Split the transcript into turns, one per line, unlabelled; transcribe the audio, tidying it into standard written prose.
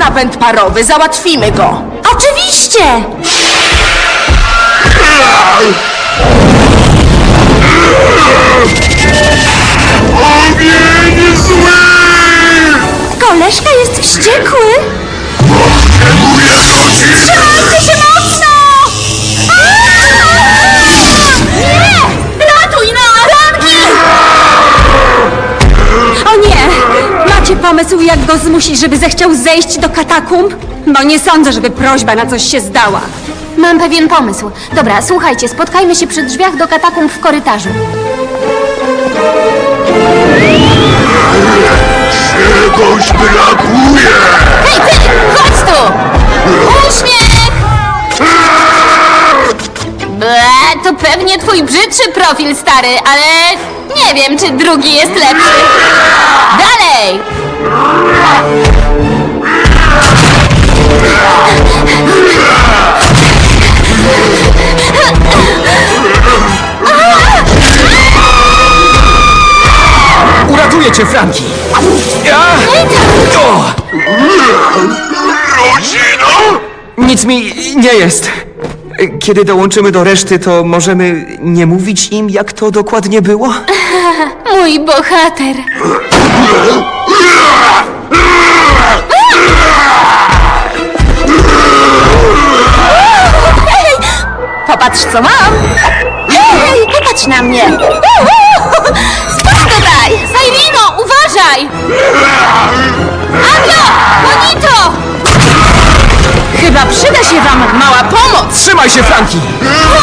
napęd parowy, załatwimy go.
Oczywiście!
Ogień zły!
Koleżka jest wściekły!
Potrzebuję godziny!
Trzymajcie się mocno! Nie! Ratuj nas! Franki! O nie! Macie pomysł, jak go zmusić, żeby zechciał zejść do katakumb? Bo nie sądzę, żeby prośba na coś się zdała.
Mam pewien pomysł. Dobra, słuchajcie, spotkajmy się przy drzwiach do katakumb w korytarzu.
Czegoś brakuje!
Hej ty! Chodź tu! Uśmiech! Ble, to pewnie twój brzydszy profil, stary, ale nie wiem, czy drugi jest lepszy. Dalej!
Uratuję cię, Franki! O!
Rodzino?
Nic mi nie jest. Kiedy dołączymy do reszty, to możemy nie mówić im, jak to dokładnie było?
Mój bohater.
Popatrz, co mam! Hej, popatrz na mnie!
Spójrz tutaj! Sairino, uważaj! Anio! Bonito!
Chyba przyda się wam mała pomoc.
Trzymaj się, Franki!